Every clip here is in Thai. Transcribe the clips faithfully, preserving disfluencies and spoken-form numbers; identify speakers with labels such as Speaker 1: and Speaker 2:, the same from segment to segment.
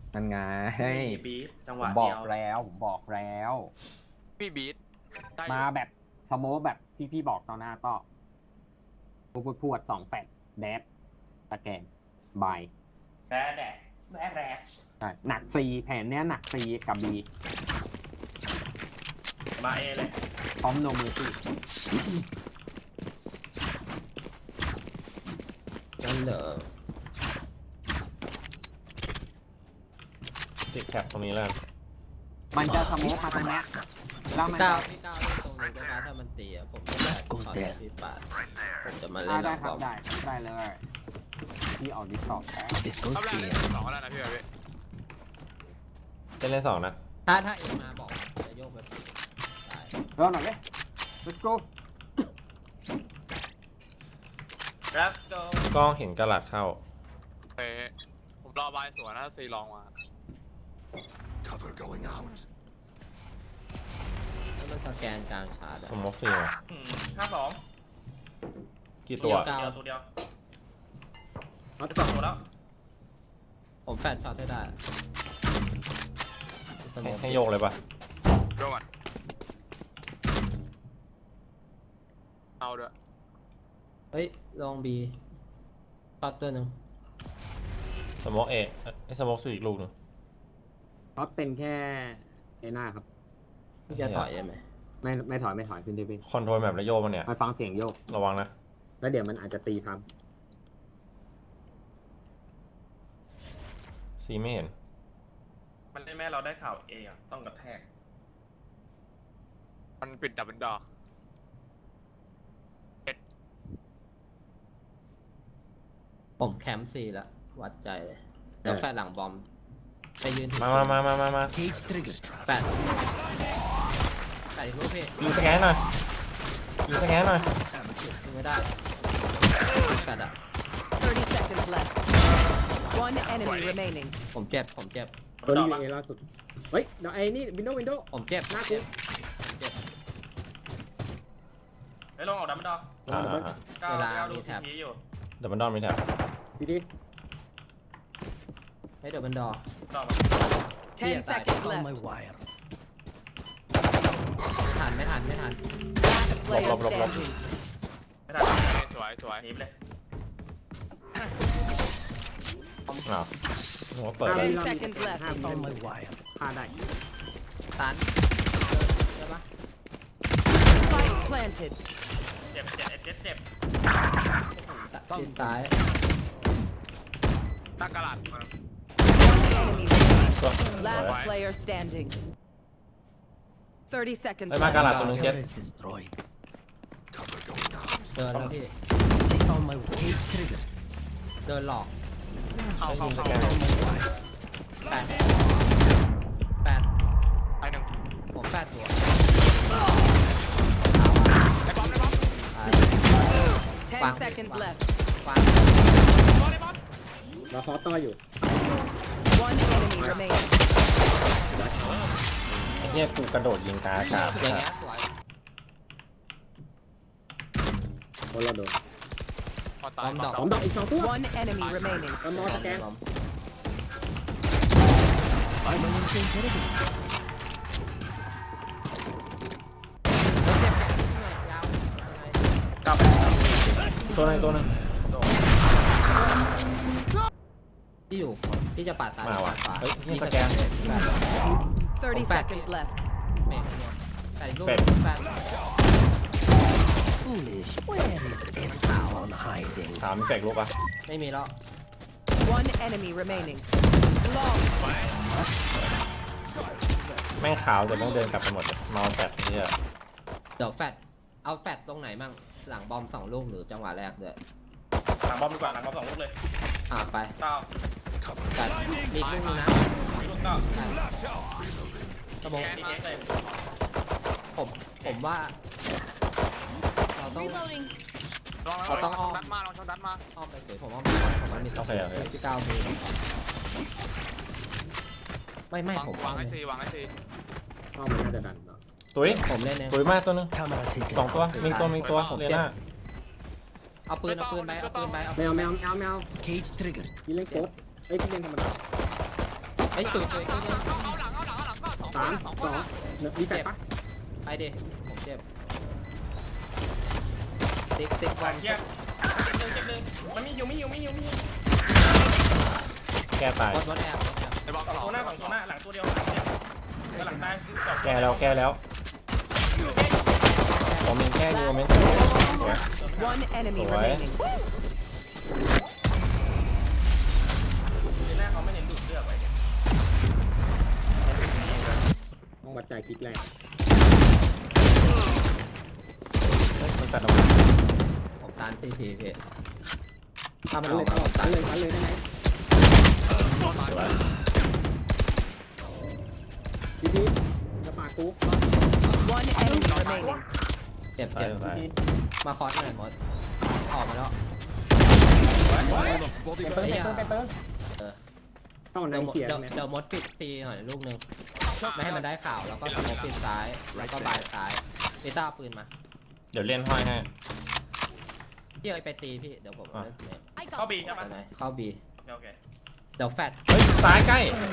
Speaker 1: มันไง
Speaker 2: บีบจังห
Speaker 1: ผ
Speaker 2: วะ
Speaker 1: มบอ
Speaker 2: เดี
Speaker 1: ก
Speaker 2: ยว
Speaker 1: แล้วผมบอกแล้ว
Speaker 3: พี่บีทได้อยู่
Speaker 1: มาแบบสโมกแบบที่พี่บอกตอนหน้าก็พูดพูดพูดสองแปดแดดตะแกงบาย
Speaker 2: แบดแดดแบดแดด
Speaker 1: ใช่หนักซีแผนเนี้ยหนักซีกับบี
Speaker 2: มาเอเลย
Speaker 1: พร้อมโนมือซี่
Speaker 4: นั่นเหรอ
Speaker 5: ติดแคปตรงนี้แล้วกัน
Speaker 1: มันจะสโมกมาตรงเนี้ยแล้วมัน
Speaker 4: พี่ก้า
Speaker 1: จะ
Speaker 4: วพี่ก้าวเล่นตรงนี้ก็ได้ถ้ามันตีอ่ะผมจะแบบขอพี่ปาดผมจะมาเล่
Speaker 1: อ่าน ได้
Speaker 4: แล้ว
Speaker 1: ครับ
Speaker 4: อบ
Speaker 1: ได้ได้เลยพี่ออกดิสคอร์ดแล้ว
Speaker 3: รอบแรกเล่นสองแล้วนะพี่พี่
Speaker 5: จะเล่นสองนะ
Speaker 4: ถ้าถ้าเอ็มมาบอกจะโยกไปปีได้
Speaker 1: เริ่มหน่อยเลย let's go
Speaker 2: รัสโต
Speaker 5: กล้องเห็นกระหลัดเข้า
Speaker 3: เฮ้ผมรอบายสวนนะซีลองมา
Speaker 6: Cover going out.
Speaker 4: ถ้ามันสแกนกลางชาร์จ
Speaker 5: สมมติสี่
Speaker 2: ห้าสอง
Speaker 5: กี่ตัว
Speaker 2: เดียวตัวเดียว
Speaker 1: เอา
Speaker 2: ส
Speaker 1: ต่
Speaker 2: อ
Speaker 1: อง
Speaker 2: ตัวแล้ว
Speaker 4: ผมแฟนช็อตได้ได้สโม
Speaker 5: ให้
Speaker 4: ค
Speaker 5: ให้โยกเลยปะ
Speaker 3: โยกก่อนเอาด้วย
Speaker 4: เฮ้ยลองบีช็อตตัวหนึ่ง
Speaker 5: สมมติเอไอสมมติสี่อีกลูกหนึง
Speaker 1: เพราะเป็นแค่เอหน้าครับ
Speaker 4: พี่จะถอยได้ไหม
Speaker 1: ไม่ไม่ถอยไม่ถอยขึ้นได้พี่
Speaker 5: คอนโทรลแบบแล้วโยกมันเนี่ย
Speaker 1: มาฟังเสียงโยก
Speaker 5: ระวังนะ
Speaker 1: แล้วเดี๋ยวมันอาจจะตีครับ
Speaker 5: ซีไม่เห็น
Speaker 2: มันได้แม่เราได้ข่าวเออะต้องกระแทก
Speaker 3: มันปิดดับเบิลดอร์
Speaker 4: ผมแคมป์ซีแล้ววัดใจเลยเดี๋ยวแฟนหลังบอมไปยืน
Speaker 5: มามามามามามา
Speaker 6: Cage trigger.
Speaker 4: แฟนแฟนอีกรูปพี่
Speaker 5: ยิงสแกนหน่อยยิงสแกนหน่อย
Speaker 4: ยิงไม่ได้แฟนอ่ะ
Speaker 7: thirty seconds left. One enemy remaining.
Speaker 4: ผมเจ็บผมเจ็บ
Speaker 1: ตัวนี้อยู่เอล่าสุด เฮ้ยเดี๋ยวไอ้นี่วินโดว์วินโดว์
Speaker 4: ผมเจ็บ
Speaker 1: หน้ากู
Speaker 4: เจ็บเจ็บ
Speaker 2: ไอ้ลงออกดับมันดอ
Speaker 5: อ่าอ่า
Speaker 2: ก้าวก้าวดูทีพีอยู่
Speaker 5: ดับเบิลดอนมีแท็บ
Speaker 1: ดีดี
Speaker 4: ให้เดี๋ยวมันดอ
Speaker 2: ดอกมา
Speaker 7: Ten
Speaker 4: Yeah,
Speaker 7: seconds
Speaker 6: On
Speaker 7: left.
Speaker 6: my wire.
Speaker 4: ไม่ทันไม่ทันไม่ทัน
Speaker 7: Last player standing.
Speaker 2: ไม่ได้
Speaker 3: สวยสวย
Speaker 2: หนีไปเลย
Speaker 5: อ้าวหัวเปิด
Speaker 7: Ten seconds left.
Speaker 1: ห้าม
Speaker 6: On my wire.
Speaker 1: ฆ่าได้
Speaker 4: ตันใช่ปะ
Speaker 7: Spike planted.
Speaker 2: เจ็บเจ็บเจ็บเจ็บ
Speaker 4: ติดซ้าย
Speaker 3: ตั้งกระดาษ
Speaker 7: One enemy remaining. Last
Speaker 3: Why?
Speaker 7: player standing. Thirty seconds
Speaker 5: ไอ้ยมากระหลัด
Speaker 7: left.
Speaker 5: ตัวหนึงเจ็ด
Speaker 6: Cover is destroyed. Cover going out.
Speaker 4: เดินแล้วพี่
Speaker 6: Take on my cage trigger.
Speaker 4: เดินหลอก
Speaker 3: เข้าเข้า
Speaker 5: ยิงส
Speaker 3: เข้า
Speaker 5: แกน
Speaker 6: On my wire.
Speaker 4: แปดแปด
Speaker 3: ไปหนึ่ง
Speaker 4: ผมแปดตัว
Speaker 3: ไอ้บอมไอ้บอม
Speaker 4: ตาย
Speaker 7: Ten
Speaker 4: Wow.
Speaker 7: seconds
Speaker 4: Wow.
Speaker 7: left.
Speaker 4: ฟัง
Speaker 3: บอมไอ้บอม
Speaker 1: เราซอสต่ออยู่
Speaker 7: One enemy remaining.
Speaker 5: ไอ้เหี้ยกูกระโดดยิงกาอากาศ
Speaker 4: อย่างเงี้ยสวย
Speaker 1: โอ้เราโดน
Speaker 3: พอตา
Speaker 4: บ
Speaker 3: ย
Speaker 4: อมดอก
Speaker 1: สองดอกอีกสองตัว
Speaker 7: One enemy remaining.
Speaker 1: สมอสแกน
Speaker 4: บอม
Speaker 6: I'm an intelligent.
Speaker 4: เฮ้ยเจ็บแขนนิดหน่อยยาวยังไง
Speaker 2: กลับ
Speaker 5: ตัวหนึงตัวหนึง
Speaker 4: ที่อยู่ที่จะปาดซ้าย
Speaker 5: มาว่ะ
Speaker 4: ปดขวา
Speaker 5: เฮ้ยนี่
Speaker 4: ที่
Speaker 5: สแกน
Speaker 7: Thirty
Speaker 4: Back.
Speaker 7: seconds left.
Speaker 4: เมฆเนี่ยแปดลูก
Speaker 5: เป็ด
Speaker 4: แปด
Speaker 6: Foolish. Where is everyone hiding?
Speaker 5: ถามมีแปลกลูกปะ
Speaker 4: ไม่มีแล้ว
Speaker 7: One enemy remaining. Long.
Speaker 5: แม่งขาวแต่แม่งเดินกลับไปหมดเลยเมาแปดเนี่ย
Speaker 4: เดี๋ยวแฟดเอาแฟดตรงไหนมั่งหลังบอมสองลูกหรือจังหวะแรกเลย
Speaker 2: หลังบอมดีกว่าหลังบอมสองลูกเลย
Speaker 4: อ่าไป
Speaker 2: เก้า
Speaker 4: แฟดมีอีกลูกนึงนะ
Speaker 2: มีลูกเก้า
Speaker 4: สมอง
Speaker 2: มีเอสเลย
Speaker 4: ผมผมว่า เราต้อง
Speaker 3: ลอง
Speaker 4: เราต้อง
Speaker 3: ลองดัดมาลองชนดัดมา
Speaker 4: อ้อมไปสวยผมว่าผมว่ามีสองที่เก้ามีไม่ไม่
Speaker 3: วาง
Speaker 4: ผม
Speaker 3: วางไอซีวางไอซี
Speaker 1: เข้ามันน่าจะดันเนาะ
Speaker 5: ตุ้ย
Speaker 4: ผมเล่นเอง
Speaker 5: ตุ้ยมากตัวหนึง
Speaker 6: Camera taken.
Speaker 5: สองตัว มีตัวมีตัวเรียน่า
Speaker 4: เอาปืนเอาปืนไปเอาปืนไปเอา
Speaker 1: แมวแมวแมวแมว
Speaker 6: Cage trigger.
Speaker 1: พี่เล่นโค้ดเอ้ยพี่เล่นธรรมดา
Speaker 4: ฮ้ยตุ๋ยตุ๋ยตุ๋ย
Speaker 3: เอาหลังเอาหลังเอาหลังก็สองคน
Speaker 1: สาม
Speaker 3: สอง
Speaker 1: ส
Speaker 3: ค
Speaker 1: อน ง
Speaker 3: นะ
Speaker 1: เนื้อมีแปดปะ
Speaker 4: ไปดิผมเจ็บติ๊กติ๊กบ
Speaker 2: ห
Speaker 4: อ
Speaker 2: ลั
Speaker 4: ล
Speaker 2: งเทียบเจ็บหนึ่งเจ็บหนึ่งมันมีอยู่มีอยู่มีอยู่มีอยู่
Speaker 5: แก้ตาย
Speaker 4: บอลบอลแอบ
Speaker 3: ไอ้บอล
Speaker 2: สอง
Speaker 3: สอง
Speaker 2: ตัวหน้าสองตัวหน้าหลังตัวเดียวหลังเจ็บแล้วหลังตายสอง
Speaker 5: แก้แล้วแก้แล้วผมยังแก้อยู่ผมยังสวย
Speaker 7: One enemy
Speaker 5: Alright.
Speaker 7: remaining.
Speaker 2: ในหน้าเขาไม่เน้นดูดเลือดไว้เนี่ย
Speaker 1: ต้องวัดใจคลิกแรก
Speaker 5: เฮ้ยมันตัดออกมา
Speaker 4: ผมตานทีทีพี่ถ้ามัน
Speaker 1: ตั
Speaker 4: อน อก
Speaker 1: เลย
Speaker 4: มาผม
Speaker 1: ตั
Speaker 4: ตาน น
Speaker 1: เลยตันเลยได้ไหม
Speaker 5: สวย
Speaker 1: พี่พี่จะปากกู
Speaker 7: One enemy remaining.
Speaker 4: เจ็บ
Speaker 5: ตาย
Speaker 4: เจ็บ
Speaker 5: ตาย
Speaker 4: มาคอสหน่อยมดออกมาแล้ว
Speaker 1: ไปเติมไปเติมไปเติม
Speaker 4: เออ
Speaker 1: ต้องใน
Speaker 4: เดี๋ยวมด
Speaker 1: เขียน
Speaker 4: เดี๋ยว
Speaker 1: เนี่ย
Speaker 4: เดี๋ยวมดปิดตีหน่อยลูกหนึงไม่ให้มันได้ข่าวแล้วก็สโมกปิดซ้ายแล้วก็บายซ้ายเบต้าเอาปืนมา
Speaker 5: เดี๋ยวเล่นห้อยให้
Speaker 4: พี่เอาไปตีพี่เดี๋ยวผม
Speaker 5: อ่ะ
Speaker 4: เนี่ย
Speaker 2: เข้าบีใช่
Speaker 4: ไป
Speaker 2: ปะ
Speaker 4: ไหนเข้าบี
Speaker 2: โอเคโอเค
Speaker 4: เดี๋ยวแฟด
Speaker 5: เฮ้ยซ้ายใกล้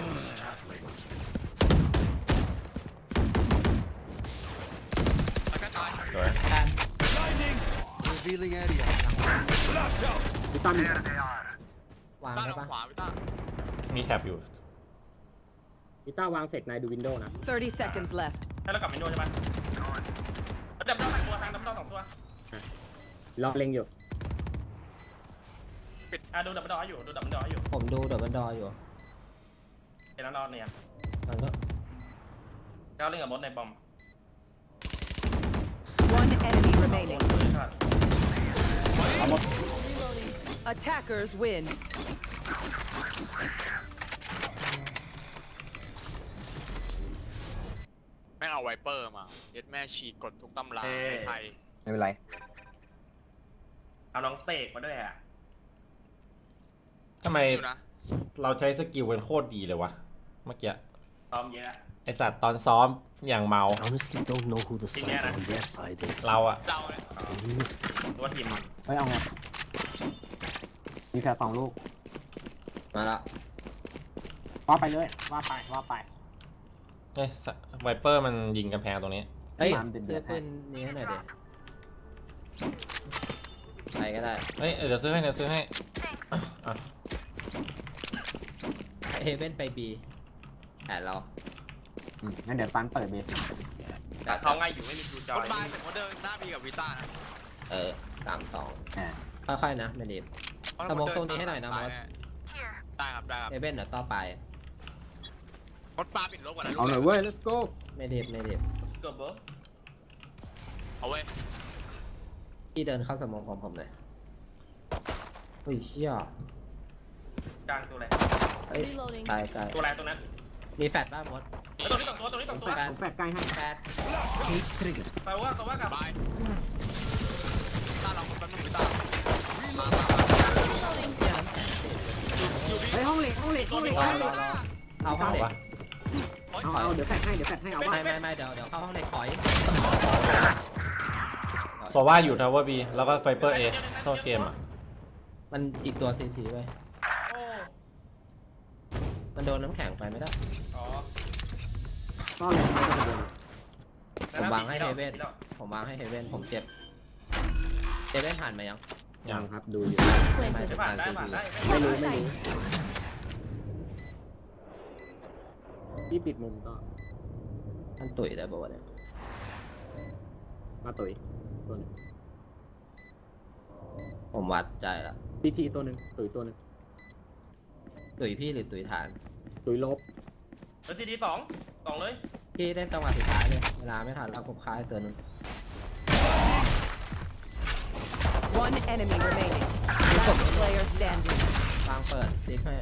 Speaker 3: แล้วก็ตาย
Speaker 5: สวย
Speaker 4: แฟด
Speaker 6: Revealing area.
Speaker 1: พี่ตั้ม
Speaker 4: วาง
Speaker 3: ต้า
Speaker 4: ได้
Speaker 3: ลง
Speaker 4: ปะ
Speaker 3: ขวาพี่ต้า
Speaker 5: มีแท็บอยู่
Speaker 1: พี่ต้าวางเสร็จนายดูวินโดว์นะ
Speaker 7: Thirty seconds left.
Speaker 2: ให้เรากลับวินโดว์ใช่ปะดับเบิลสองตัวทางดับเบิลสองตัว
Speaker 1: รอเล็งอยู่
Speaker 2: อ่ะดูดับเบิลดออยู่ดูดับเบิลดออยู่
Speaker 4: ผมดูเดี๋ยวมันดออยู่
Speaker 2: เป็นน้องๆเนี่ย
Speaker 4: มันก็
Speaker 2: ก้าวเล่นกับมดในบอม
Speaker 7: One enemy
Speaker 2: โด
Speaker 7: remaining.
Speaker 2: นเลยครับ
Speaker 7: Attackers win.
Speaker 3: แม่งเอาไวเปอร์มาเย็ดแม่ฉีกกดทุกตำราในไทย
Speaker 1: ไม่เป็นไร
Speaker 2: เอาน้องเสกมาด้วยอ่ะ
Speaker 5: ทำไม
Speaker 3: อยู่นะ
Speaker 5: เราใช้สกิลกันโคตรดีเลยวะเมื่อกี้
Speaker 2: ซ้อมเยอะ
Speaker 5: ไอสัตว์ตอนซ้อมอย่างเมา
Speaker 6: I honestly don't know who the
Speaker 2: Yeah.
Speaker 6: side on their side is.
Speaker 5: เราอะ
Speaker 3: เดาเลย
Speaker 6: Mystery.
Speaker 2: ตัวทีม
Speaker 1: เฮ้ยเอาไงมีแค่สองลูก
Speaker 4: มาละ
Speaker 1: ว่าไปเลยว่าไปว่าไป
Speaker 5: เอ้ยไวเปอร์มันยิงกำแพงตรงนี้
Speaker 4: เฮ้ย
Speaker 1: ตามเดือดๆ
Speaker 4: ซื้อปืนนี้ให้หน่อยดิใครก็ได้
Speaker 5: เฮ้ยเดี๋ยวซื้อให้เดี๋ยวซื้อให้อ่ะ
Speaker 4: เฮเว่นไปบีแผนเรา
Speaker 1: อืมงั้นเดี๋ยวตันเปิดเบส
Speaker 2: แต่เขาง่ายอยู่ไม่มีดูจ
Speaker 3: ค
Speaker 2: อน ย
Speaker 3: บายเป็นโมเดิร์นหน้าบีกับวิต้านะ
Speaker 4: เออสามสอง
Speaker 1: อ่า
Speaker 4: ค่อยๆนะไม่รีบ สโมกตรงนี้ให้หน่อยนะมด
Speaker 3: ได้ครับได้ครับ
Speaker 4: เฮเว่นเดี๋ยวต่อไป
Speaker 3: มดปลาปิดลบกว่านะลูก
Speaker 1: เอาหน่อยเว้ย let's go
Speaker 4: ไม่รีบไม่รีบ
Speaker 2: สกอร์เบอร์
Speaker 3: เอาเว้ย
Speaker 4: พี่เดินเข้าสโมองของผมเลยเฮ้ยเชี่ย
Speaker 2: กลางตัวอะไร
Speaker 4: เฮ้ยตายตาย
Speaker 2: ตัวอะไรตัวนั้น
Speaker 4: มีแฟดบ้างมด
Speaker 2: ตัวนี้สองตัวตัวนี้สองตัว
Speaker 1: แปดผมแปดใกล้ให้
Speaker 4: แฟด
Speaker 6: Cage triggered.
Speaker 2: แปลว่าแปลว่ากับบ
Speaker 3: ายต้าเราคนแป๊บนึงวิต้ามา
Speaker 1: เฮ้ยห้องเหล็กห้องเหล็กห้องเหล็ก
Speaker 4: รอ
Speaker 1: ห้องเห
Speaker 4: ร
Speaker 1: ล็
Speaker 4: อก รอเอาเข้าเด็ก
Speaker 5: วะ
Speaker 1: เอาเอาเดี๋ยวแฟดให้เดี๋ยวแฟดให้เอาว่า
Speaker 4: ไม่ไม่ไม่เดี๋ยวเดี๋ยวเข้าห้องเด็กถอย
Speaker 5: โซว่าอยู่ทาวเวอร์บีแล้วก็ไฟเปอร์เอเข้าเกมอ่ะ
Speaker 4: มันอีกตัวซีทีไว้
Speaker 2: โอ้
Speaker 4: มันโดนน้ำแข็งไปไม่ได้
Speaker 2: อ๋อ
Speaker 1: ก็เลยไม่ต้องเดิน
Speaker 4: ผมวางให้เฮเว่นผมวางให้เฮเว่นผมเจ็บเฮเว่นผ่านมายัง
Speaker 1: ยังครับดูอยู่
Speaker 4: ไม่
Speaker 2: ไม่
Speaker 4: เป็น
Speaker 2: ผ่าน
Speaker 4: การ
Speaker 2: ได้
Speaker 4: ซี
Speaker 2: ผ่าน
Speaker 4: ที
Speaker 2: ได้
Speaker 1: ไม่รู้ไม่รู้พี่ปิดมุมก็
Speaker 4: มันตุ๋ยได้ป่าวะเนี่ย
Speaker 1: มาตุ๋ยตัวหนึง
Speaker 4: ผมวัดใจละ
Speaker 1: พีทีตัวหนึ่งตุ๋ยตัวหนึ่ง
Speaker 4: ตุ๋ยพี่หรือตุ๋ยฐาน
Speaker 1: ตุ๋ยลบ
Speaker 2: เออซีดีสองสองเลย
Speaker 4: พี่เล่นจังหวะสุดท้ายเลยเวลาไม่ทันแล้วผมค้ายตัวหนึง
Speaker 7: One enemy remaining. Last player standing.
Speaker 4: วางเปิดติ๊กให้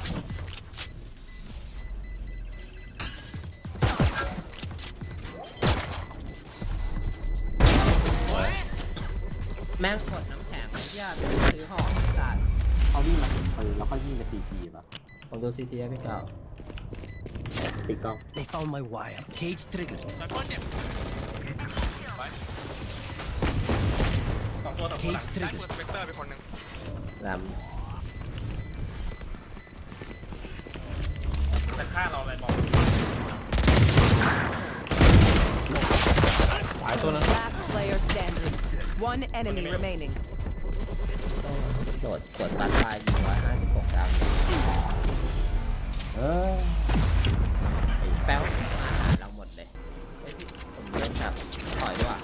Speaker 4: แม่งกดน้ำแข็งไอ้เหี้ยซื้อหอมจัด
Speaker 1: เขาวิ่งมาตุ๋ยแล้วก็ยิงไปสี่ทีป่ะ
Speaker 4: ผมดูซีทีให้พี่เก่า
Speaker 1: ติดกล้อง
Speaker 6: They found my wire. Cage triggered.
Speaker 3: ไวเปอร์เจ็บไป
Speaker 2: สองตัวสองตัวหลัง
Speaker 6: Cage
Speaker 3: ได้
Speaker 6: triggered.
Speaker 3: ปืนสเปกเตอร์ไปคนหนึ่ง
Speaker 4: แรม
Speaker 2: แต่ฆ่าเราอะไรบอก
Speaker 5: หายตัวนึง
Speaker 7: Last player standing. One enemy remaining.
Speaker 4: ต้องโดดกดบัตรปลายยิงร้อยห้าสิบหกดาวเออไอ้แป๊วมาหาเราหมดเลยเฮ้ยพี่ผมเล่นแบบถอยด้วย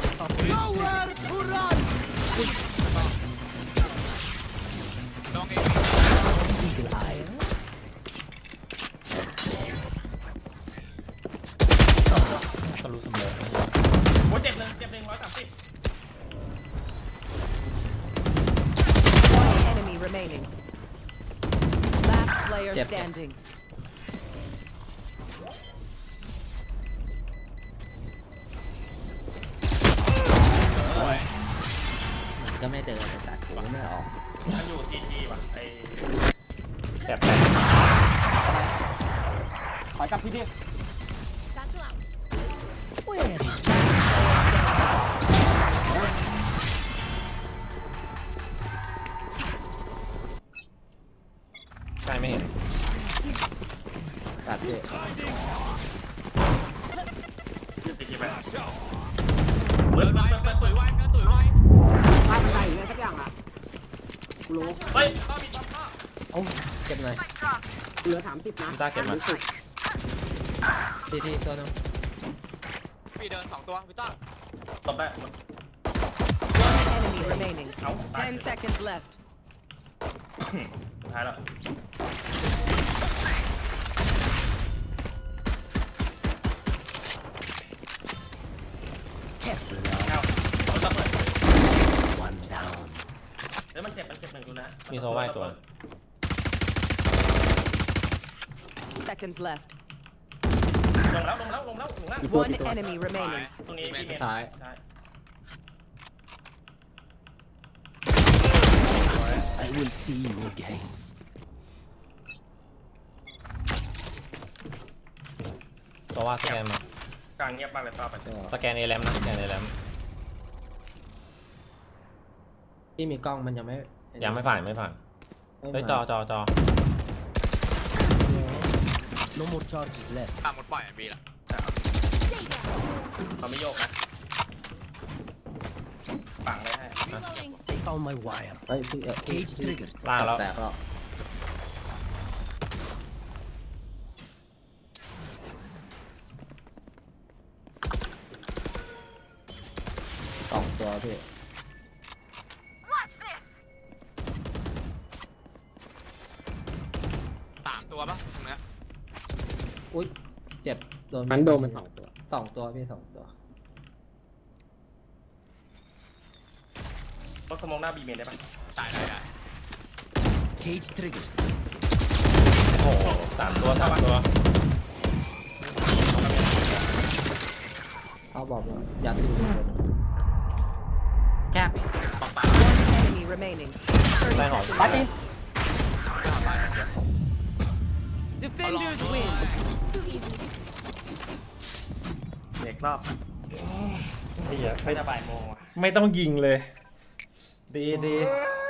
Speaker 3: ลองเอง
Speaker 6: Eagle eye.
Speaker 5: ก็รู้เสมอ
Speaker 2: โอ้ยเจ็บหนึ่งเจ็บหนึ่งร้อยสามสิบ
Speaker 7: One enemy remaining. Last player
Speaker 4: Yep.
Speaker 7: standing.
Speaker 4: มันก็ไม่เดินเลยตัดกูไม่ออก
Speaker 2: มันอยู่ทีทีว่ะไอ
Speaker 5: แอบแตก
Speaker 1: ขอกลับพี่ดิ
Speaker 6: Where is
Speaker 5: ใช่ไม่เห็น
Speaker 4: ตัดพี่
Speaker 2: ทีทีไป
Speaker 3: เดินไปเดินตุ๋ยไว้เดินตุ๋ยไว้
Speaker 1: มาใส่เลยสักอย่างอ่ะกูรู้
Speaker 2: เฮ้ยต้อมีต้อมต้อ
Speaker 4: โอ้เก็บหน่อย
Speaker 1: เหลือสามสิบนะ
Speaker 5: พี่ต้าเก็บมา
Speaker 4: ทีทีตัวนึง
Speaker 3: พี่เดินสองตัวพี่ต้า
Speaker 2: ตบได้
Speaker 7: One enemy remaining.
Speaker 2: เอาตาย
Speaker 7: Ten seconds left.
Speaker 2: สุดท้ายแล้ว
Speaker 6: careful
Speaker 2: เอาเอาระเบิด
Speaker 6: now? One down.
Speaker 2: เฮ้ยมันเจ็บมันเจ็บหนึ่งดูนะ
Speaker 5: มีโซไว้ตัว
Speaker 7: Seconds left.
Speaker 2: ลงแล้วลงแล้วลงแล้วลงแล้ว
Speaker 7: One enemy remaining.
Speaker 2: ตรงนี้ที่เมนใช่
Speaker 6: I will see you again.
Speaker 5: เพราะว่าสแกนมาก
Speaker 2: ลางเงียบมากเลยป้าไป
Speaker 5: สแกนเอแรมนะสแกนเอแรม
Speaker 4: พี่มีกล้องมันยังไม่
Speaker 5: ยังไม่ผ่านไม่ผ่าน
Speaker 4: ไม่
Speaker 5: เฮ้ย
Speaker 4: มา
Speaker 5: จอจอจอ
Speaker 6: No more charges left.
Speaker 3: ตามหมดปล่อยอ่ะบีละ
Speaker 2: เราไม่โยกนะฝังเลยให้
Speaker 6: They found my wire.
Speaker 4: เฮ้ยพี่เอ่อพี่
Speaker 6: Cage triggered.
Speaker 5: ล่างแล้ว
Speaker 4: แตกแล้วสองตัวพี่
Speaker 3: สามตัวปะตรงเนี้ย
Speaker 4: อุ้ยเจ็บโดน
Speaker 1: มันโดนมันสองตัว
Speaker 4: สองตัวพี่สองตัว
Speaker 2: รถสมองหน้าบีเมนได้ปะ
Speaker 3: ตายได้ได้
Speaker 6: Cage triggered.
Speaker 5: โอ้โหสามตัวสามตัว
Speaker 4: เขาบอกว่ายัดดูแคบอีก
Speaker 7: One enemy remaining.
Speaker 5: ได้หอม
Speaker 1: บัตตี้
Speaker 7: Defenders win.
Speaker 2: เด็กรอบ
Speaker 5: ไอ้เหี้ย
Speaker 2: ไม่จะบ่ายโมงว่ะ
Speaker 5: ไม่ต้องยิงเลย ดีดี
Speaker 2: เ